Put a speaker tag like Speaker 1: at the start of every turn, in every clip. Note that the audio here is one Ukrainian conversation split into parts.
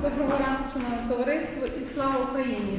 Speaker 1: Доброго ранку, шановне товариство, і слава Україні!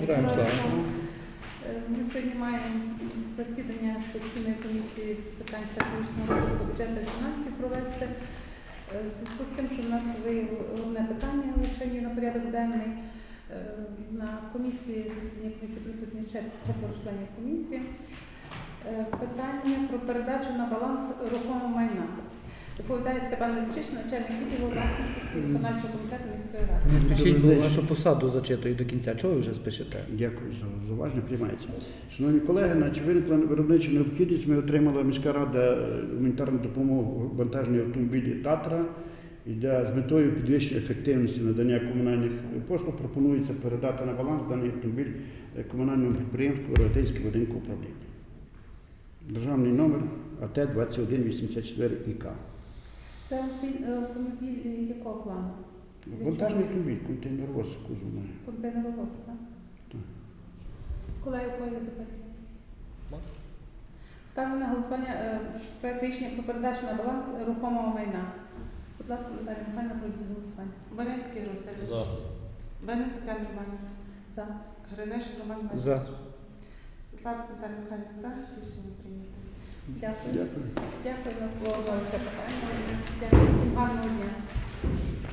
Speaker 1: Ми сьогодні маємо засідання постійної комісії з питань стратегічного розвитку бюджету і фінансів провести. В зв'язку з тим, що в нас виявило одне питання лише на порядок денний. На комісії, засідання комісії присутні четверо членів комісії. Питання про передачу на баланс рухомого майна. Доповідає Степан Левчич, начальник відділу власності виконавчого комітету міської ради.
Speaker 2: Пишіть, бо вашу посаду зачитую до кінця. Чого ви вже спишете?
Speaker 3: Дякую за уважно, приймається. Шановні колеги, виникла виробнича необхідність. Ми отримала міська рада гуманітарну допомогу вантажні автомобілі «Татра». З метою підвищення ефективності надання комунальних послуг пропонується передати на баланс даний автомобіль комунальному підприємству «Рогатинське будинку управління». Державний номер АТ-2184ІК.
Speaker 1: Це автомобіль якого плану?
Speaker 3: Вантажний автомобіль, контейнеровоз кузов має.
Speaker 1: Контейнеровоз, так?
Speaker 3: Так.
Speaker 1: Колеги, у кого є запитання? Ставлю на голосування проект рішення про передачу на баланс рухомого майна. Будь ласка, Наталія Михайлівна, пройдіть голосування.
Speaker 4: Борецький Русевич.
Speaker 2: За.
Speaker 4: Бенник Тетяна Романівна.
Speaker 1: За.
Speaker 4: Гринеш Роман
Speaker 2: За.
Speaker 4: Васильович. Цеславська Наталія Михайлівна. За. Рішення прийнято.
Speaker 1: Дякую.
Speaker 3: Дякую.
Speaker 1: Дякую, у нас було ще питання. Дякую, всім гарного дня.